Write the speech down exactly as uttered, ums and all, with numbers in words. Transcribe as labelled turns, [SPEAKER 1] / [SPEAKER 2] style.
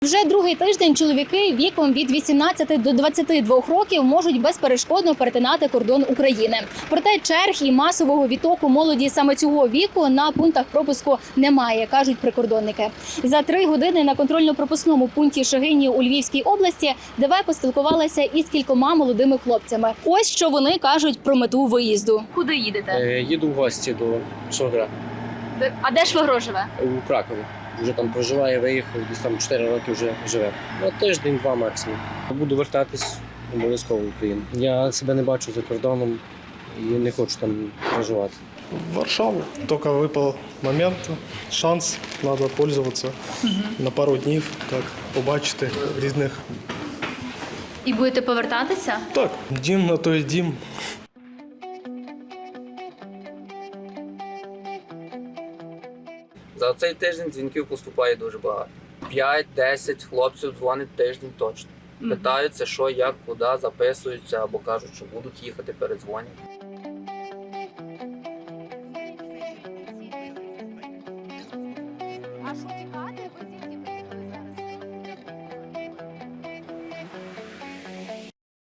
[SPEAKER 1] Вже другий тиждень чоловіки віком від вісімнадцяти до двадцяти двох років можуть безперешкодно перетинати кордон України. Проте черг і масового відтоку молоді саме цього віку на пунктах пропуску немає, кажуть прикордонники. За три години на контрольно-пропускному пункті Шегині у Львівській області ДВ поспілкувалася із кількома молодими хлопцями. Ось що вони кажуть про мету виїзду. Куди їдете?
[SPEAKER 2] Е, Їду в гості до швагра
[SPEAKER 1] А де швагро живе?
[SPEAKER 2] у Кракові. Вже там проживає, виїхав, десь там чотири роки вже живе. Ну, тиждень-два максимум. Буду вертатись обов'язково в Україну. Я себе не бачу за кордоном і не хочу там проживати.
[SPEAKER 3] В Варшаву. Только выпал момент, шанс, надо пользоваться угу. на пару днів, так, побачити різних.
[SPEAKER 1] І будете повертатися?
[SPEAKER 3] Так, дім на той дім.
[SPEAKER 4] За цей тиждень дзвінків поступає дуже багато. п'ять-десять хлопців дзвонить тиждень точно. Питаються, що, як, куди, записуються або кажуть, що будуть їхати, передзвонять.
[SPEAKER 1] А що